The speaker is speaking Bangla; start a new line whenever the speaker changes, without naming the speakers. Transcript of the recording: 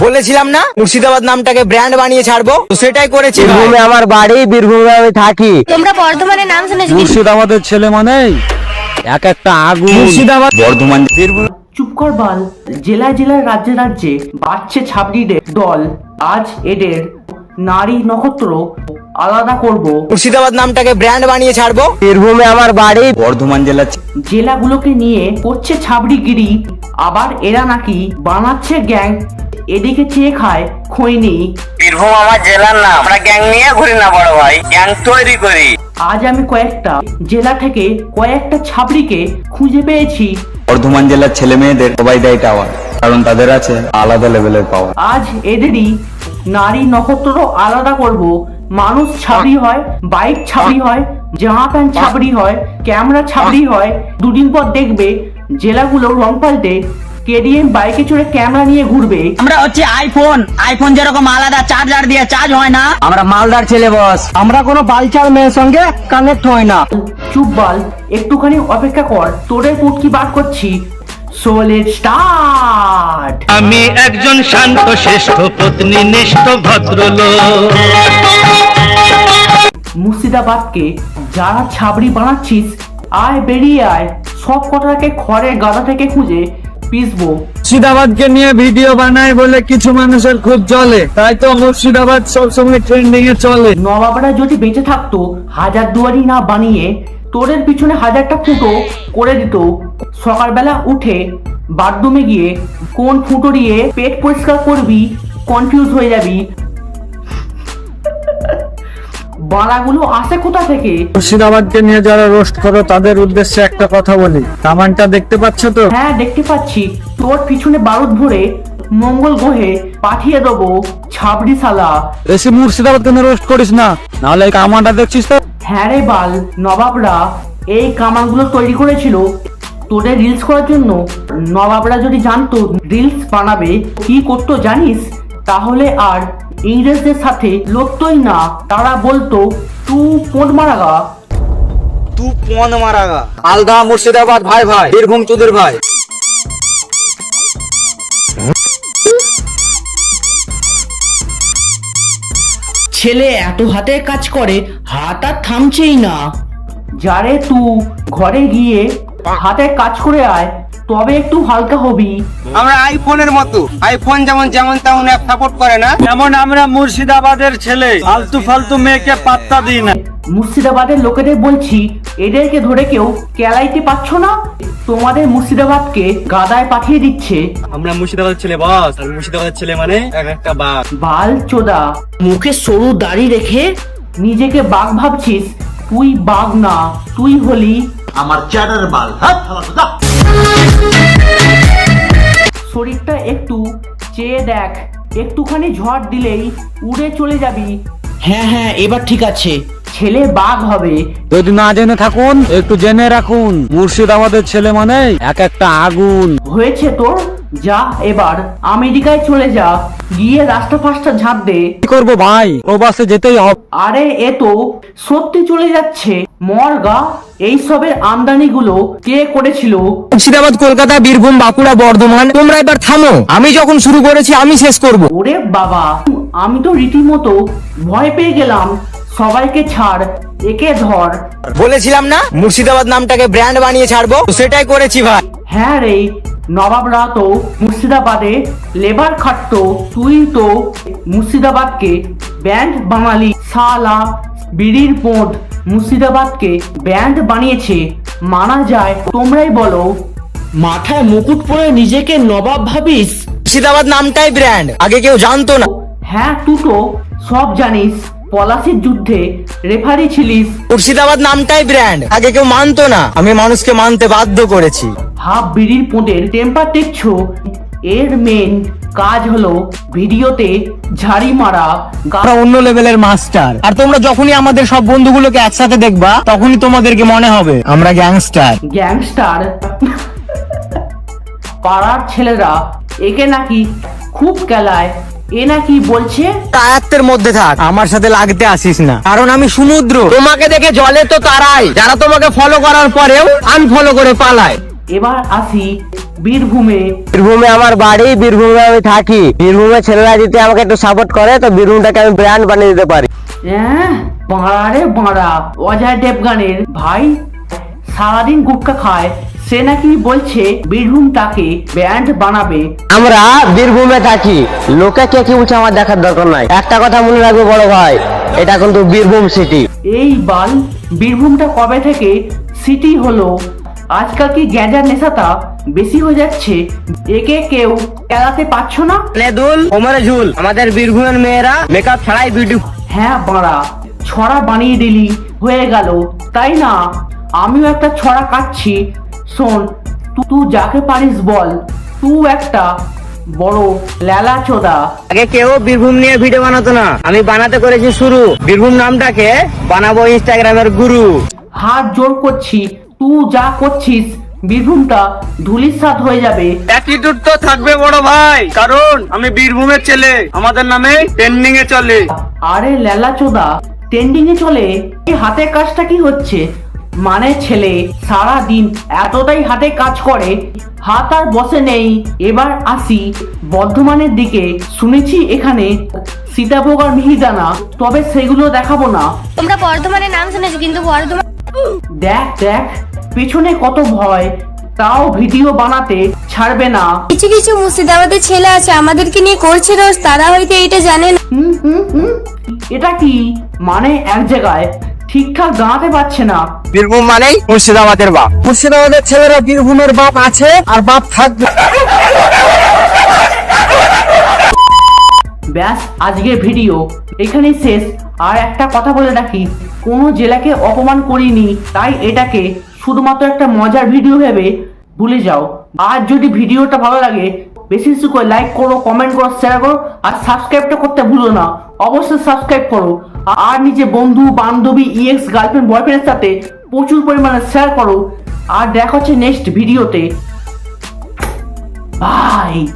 বলেছিলাম না মুর্শিদাবাদ নামটাকে ব্র্যান্ড বানিয়ে ছাড়বো, তো সেটাই করেছি।
বীরভূমে আমার বাড়ি, বীরভূমে আমি থাকি।
তোমরা বর্ধমানের নাম শুনেছো?
মুর্শিদাবাদের ছেলে মানে এক একটা আগুন।
মুর্শিদাবাদ,
বর্ধমান, বীরভূম।
চুপ কর বাল। জেলায় জেলায় রাজ্যে রাজ্যে বাচ্চা ছাবড়িদের দল। আজ এদের নারী নক্ষত্র আলাদা করব।
মুর্শিদাবাদ নামটাকে ব্র্যান্ড বানিয়ে ছাড়বো।
বীরভূমে আমার বাড়ি, বর্ধমান জেলা।
জেলাগুলোকে নিয়ে করছে ছাবড়িগিরি, আবার এরা নাকি বানাচ্ছে গ্যাং। এদিকে চেয়ে খায় খৈনি।
বীরভূম আমার জেলার নাম, আমরা গ্যাং নিয়ে ঘুরি না বড় ভাই, গ্যাং তৈরি করি।
আজ আমি কয়েকটা জেলা থেকে কয়েকটা ছাবড়িকে খুঁজে পেয়েছি।
বর্ধমান জেলার ছেলে মেয়েদের সবাই দেয় টাওয়ার, কারণ তাদের আছে আলাদা লেভেলের পাওয়ার।
আজ এদেরই নারী নক্ষত্র আলাদা করব। মানুষ ছাবড়ি হয়, বাইক ছাবড়ি হয়, জামা প্যান্ট ছাবড়ি হয়, ক্যামেরা ছাবড়ি হয়। দুদিন পর দেখবে জেলাগুলো রং পাল্টে কেডিএম বাইকে চড়ে ক্যামেরা নিয়ে ঘুরবে।
আমরা হচ্ছে আইফোন যেরকম আলাদা চার্জার দিয়ে চার্জ হয় না,
আমরা মালদার ছেলে বস, আমরা কোনো বালচাল মেয়ের সঙ্গে কানেক্ট হয় না।
চুপ বাল, একটুখানি অপেক্ষা কর, তোদের পুটকি বার করছি। সোলের স্টার্ট।
আমি একজন শান্ত শ্রেষ্ঠ পত্নীনিষ্ঠ ভদ্রলোক।
মুর্শিদাবাদকে যারা ছাবড়ি বানাচ্ছিস, আয় বেরিয়ে আয়। সব কটাকে খড়ের গাদা থেকে খুঁজে পিসবো।
মুর্শিদাবাদকে নিয়ে ভিডিও বানায় বলে কিছু মানুষের খুব চলে, তাই তো মুর্শিদাবাদ সবসময় ট্রেন্ডিং এ চলে।
নবাবরা যদি বেঁচে থাকতো, হাজার দুয়ারি না বানিয়ে তোদের পিছনে হাজারটা ফুটো করে দিত। সকালবেলা উঠে বাথরুমে গিয়ে কোন ফুটো দিয়ে পেট পরিষ্কার করবি কনফিউজ হয়ে যাবি। বাড়াগুলো আসে কোথা থেকে?
মুর্শিদাবাদকে নিয়ে যারা রোস্ট করো তাদের উদ্দেশ্যে একটা কথা বলি, কামানটা দেখতে পাচ্ছ তো?
হ্যাঁ দেখতে পাচ্ছি, তোর পিছনে বারুদ ভরে মঙ্গল গ্রহে পাঠিয়ে দেবো ছাবড়ি শালা।
বেশি মুর্শিদাবাদকে নিয়ে রোস্ট করিস না, নাহলে এই কামানটা দেখছিস তো?
হ্যাঁ রে বাল, নবাবরা এই কামানগুলো তৈরি করেছিল তোদের রিলস করার জন্য। নবাবরা যদি জানতো রিলস বানাবে কি করতো জানিস? তাহলে আর ইংরেজদের সাথে লড়তোই না। তারা বলতো তু পোঁট মারাগা।
তু পন মারাগা। আলদা মুর্শিদাবাদ ভাই ভাই, বীরভূম চুদির ভাই।
ছেলে এত হাতে কাজ করে, হাত আর থামছেই না। যারে তু ঘরে গিয়ে হাতে কাজ করে আয়, তবে একটু হালকা হবি।
আমরা আইফোনের মতো, আইফোন যেমন যেমন তেমন অ্যাপ সাপোর্ট করে না,
যেমন আমরা মুর্শিদাবাদের ছেলে ফালতু ফালতু মেয়েকে পাত্তা দিই না।
মুর্শিদাবাদের লোকেদের বলছি, এদেরকে ধরে কেউ কেলাইতে পারছো না? তোমাদের মুর্শিদাবাদকে গাদায় পাঠিয়ে দিচ্ছে।
আমরা মুর্শিদাবাদের ছেলে বস, আর মুর্শিদাবাদের ছেলে মানে এক একটা বাঘ।
বাল চোদা, মুখে সরু দাড়ি রেখে নিজেকে বাঘ ভাবছিস? তুই বাঘ না, তুই হলি
আমার চ্যাটার বাল।
শরীরটা একটু চেয়ে দেখ, একটুখানি ঝড় দিলেই উড়ে চলে যাবি। হ্যাঁ হ্যাঁ, এবার ঠিক আছে। ছেলে বাঘ হবে।
যদি না জেনে থাকুন একটু জেনে রাখুন, মুর্শিদাবাদের ছেলে মানে এক একটা আগুন।
হয়েছে তোর, যা এবার আমেরিকায় চলে যা, গিয়ে রাস্তা ফাস্টা ঝাঁপ দে।
কি করবো ভাই, প্রবাসে যেতেই হবে।
আরে এ তো সত্যি চলে যাচ্ছে। মরগা, এইসবের আমদানিগুলো কে করেছিল?
মুর্শিদাবাদ, কলকাতা, বীরভূম, বাঁকুড়া, বর্ধমান। তোমরা এবার থামো, আমি যখন শুরু করেছি আমি শেষ করব।
ওরে বাবা, আমি তো রীতিমতো ভয় পেয়ে গেলাম। সবাইকে ছাড়, একে ধর।
বলেছিলাম না মুর্শিদাবাদ নামটাকে ব্র্যান্ড বানিয়ে ছাড়বো, তো সেটাই করেছি ভাই।
হ্যাঁ রে, নবাবরা তো মুর্শিদাবাদে লেবার খাটতো, তুই তো মুর্শিদাবাদকে ব্যান্ড বাঙালি শালা। বিড়ির পোঁট মুর্শিদাবাদকে ব্যান্ড বানিয়েছে, মানা যায়? তোমরাই বলো। মাথায় মুকুট পরে নিজেকে নবাব ভাবিস?
মুর্শিদাবাদ নামটাই ব্র্যান্ড, আগে কেউ জানতো না।
হ্যাঁ, তুই তো সব জানিস, পলাশির যুদ্ধে রেফারি ছিলিস।
মুর্শিদাবাদ নামটাই ব্র্যান্ড, আগে কেউ মানতো না, আমি মানুষকে মানতে বাধ্য করেছি।
হাফ বিড়ির পোঁটের টেম্পার দেখছো? এর মেন কাজ হলো ভিডিওতে ঝাড়ি মারা।
আমরা অন্য লেভেলের মাস্টার, আর তোমরা যখনই আমাদের সব বন্ধুগুলোকে একসাথে দেখবা তখনই তোমাদেরকে মনে হবে আমরা গ্যাংস্টার।
গ্যাংস্টার? পাড়ার ছেলেরা একে নাকি খুব কেলায়। এ নাকি বলছে
আয়াত্তের মধ্যে থাক, আমার সাথে লাগতে আসিস না, কারণ আমি সমুদ্র। তোমাকে দেখে জলে তো তারাই, যারা তোমাকে ফলো করার পরেও আনফলো করে পালায়।
এবার আসি বীরভূমে।
বীরভূমে আমার বাড়ি, বীরভূমে আমি থাকি। বীরভূমে ছেলেরা যদি আমাকে একটু সাপোর্ট করে তো বীরভূমটাকে আমি ব্র্যান্ড বানিয়ে দিতে পারি।
বাঁড়া রে বাঁড়া, অজয় দেবগানের ভাই সারাদিন গুটকা খায়, সে নাকি বলছে বীরভূমটাকে ব্যান্ড বানাবে।
আমরা বীরভূমে থাকি, লোকে কে কি বলছে আমার দেখার দরকার নাই। একটা কথা মনে রাখবে বড় ভাই, এটা কিন্তু বীরভূম সিটি।
এই বাল, বীরভূমটা কবে থেকে সিটি হলো? আজকাল কি গ্যাঁজার নেশাটা বেশি হয়ে যাচ্ছে? একে কেউ এড়াতে পারছো না?
দুল ওমরে ঝুল, আমাদের বীরভূমের মেয়েরা মেকআপ ছাড়াই বিউটি।
হ্যাঁ বাড়া, ছড়া বানিয়ে দিলি হয়ে গেল, তাই না? আমিও একটা ছড়া কাটছি, শোন। তুই যাকে পারিস বল, তুই একটা বড় লেলা চোদা।
আগে কেউ বীরভূম নিয়ে ভিডিও বানাতো না, আমি বানাতে করেছি শুরু। বীরভূম নামটাকে বানাবো ইনস্টাগ্রামের গুরু।
হাত জোর করছি, তুই যা করছিস বীরভূমটা ধুলিস্বাদ হয়ে যাবে।
অ্যাটিটিউড তো থাকবে বড় ভাই, কারণ আমি বীরভূমের ছেলে, আমাদের নামে ট্রেন্ডিং এ চলে।
আরে লেলা চোদা, ট্রেন্ডিং এ চলে? এই হাতের কাজটা কি হচ্ছে? মানে ছেলে সারা দিন এতটাই হাতে কাজ করে, হাত আর বসে নেই। এবার আসি বর্ধমানের দিকে। শুনেছি এখানে সীতাভোগ আর মিহিদানা, তবে সেগুলো দেখাবো না।
তোমরা বর্ধমানের নাম শুনেছো, কিন্তু বর্ধমান
দেখ দেখ, পেছনে কত ভয়, তাও ভিডিও বানাতে ছাড়বে না।
কিছু কিছু মুর্শিদাবাদের ছেলে আছে আমাদেরকে নিয়ে করছে রোজ, তারা হয়তো এটা জানে না।
এটা কি মানে এক জায়গায় ঠিকঠাক দাঁড়াতে পারছে না।
বীরভূম মানেই মুর্শিদাবাদের বাপ।
মুর্শিদাবাদের ছেলেরা বীরভূমের বাপ আছে আর বাপ থাকবে।
ব্যাস, আজকের ভিডিও এখানেই শেষ। আর একটা কথা বলে রাখি, কোনো জেলাকে অপমান করিনি, তাই এটাকে শুধুমাত্র একটা মজার ভিডিও ভেবে ভুলে যাও। আর যদি ভিডিওটা ভালো লাগে বেশি বেশি করে লাইক করো, কমেন্ট করো, শেয়ার করো, আর সাবস্ক্রাইবটা করতে ভুলো না। অবশ্যই সাবস্ক্রাইব করো। আর নিজে বন্ধু বান্ধবী, এক্স গার্লফ্রেন্ড বয়ফ্রেন্ডের সাথে প্রচুর পরিমাণে শেয়ার করো। আর দেখা হচ্ছে নেক্সট ভিডিওতে। বাই।